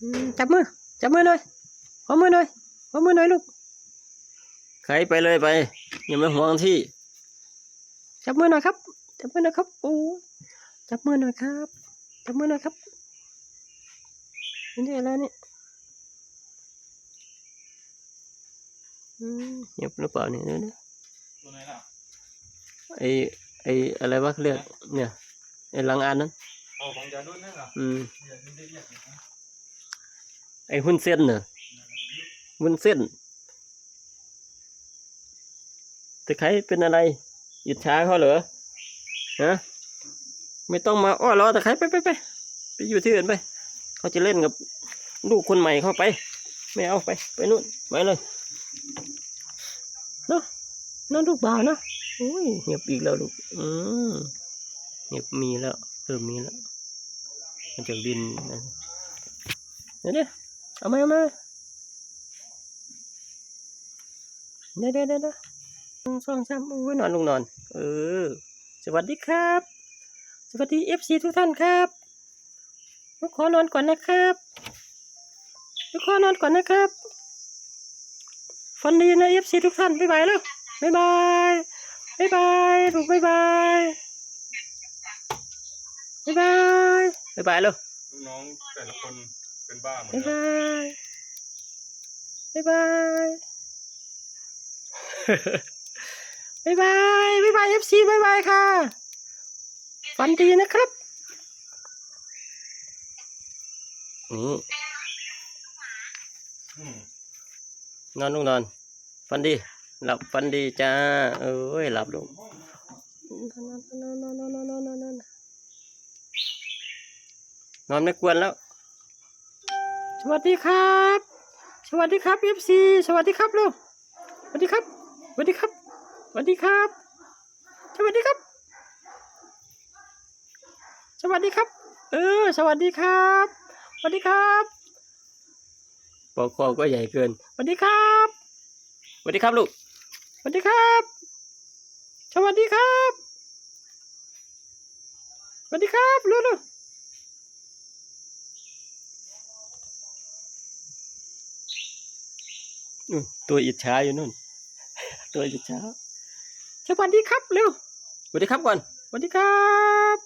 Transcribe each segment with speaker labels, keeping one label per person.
Speaker 1: จับมือหน่อยขอมือหน่อยลูกใครไปเลยไปอย่ามาห่วงที่จับมือหน่อยครับโอ้จับมือหน่อยครับนี่อะไรเนี่ยเงียบหรือเปล่าเนี่ย
Speaker 2: ตัวไหนล่ะ
Speaker 1: ไออะไรวะเรียกเนี่ยไอลังอันนั้น
Speaker 2: ของยาดุนนั่นเหรอ
Speaker 1: ไอหุ้นเส้นเนอะหุ้นเส้นแต่ใครเป็นอะไรอิจฉาเขาเหรอฮะไม่ต้องมาอ้อล้อแต่ใครไปอยู่ที่อื่นไปเขาจะเล่นกับลูกคนใหม่เข้าไปไม่เอาไปนู่นไปเลยเนาะนั่นลูกบ่าวนะโอ้ยเงียบอีกแล้วลูกเงียบมีแล้วเริ่มมีแล้วมันจะบินนะเดี๋ยวเอามาเดี๋ยวสองสามอุ้ยนอนลงนอนสวัสดีครับสวัสดี FC ทุกท่านครับลูกขอนอนก่อนนะครับฝันดีนะ FC ทุกท่านบ๊ายบายแล้วบ๊ายบายลูกบ๊ายบายแล้ว
Speaker 2: ลูกน้องแต่ละคนเป็นบ้าหมด
Speaker 1: บ๊ายบายFC บ๊ายบายค่ะฝันดีนะครับนี่นอนลูกนอนฝันดีหลับฝันดีจ้าหลับลงนอนไม่กวนแล้วสวัสดีครับFC สวัสดีครับลูกสวัสดีครับสวัสดีครับสวัสดีครับสวัสดีครับสวัสดีครับปอกคอก็ใหญ่เกินสวัสดีครับลูกสวัสดีครับสวัสดีครับลูกตัวอิจฉาอยู่นู่นตัวอิจฉาสวัสดีครับเร็วสวัสดีครับก่อนสวัสดีครับ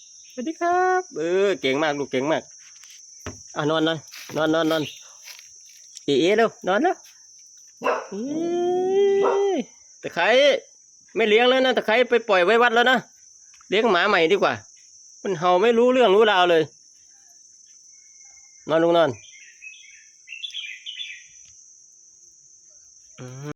Speaker 1: เก่งมากลูกเก่งมากนอนเร็วนอนแล้วตะไคร้ไม่เลี้ยงแล้วนะตะไคร้ไปปล่อยไว้วัดแล้วนะเลี้ยงหมาใหม่ดีกว่ามันเห่าไม่รู้เรื่องรู้ราวเลยนอนลงนอน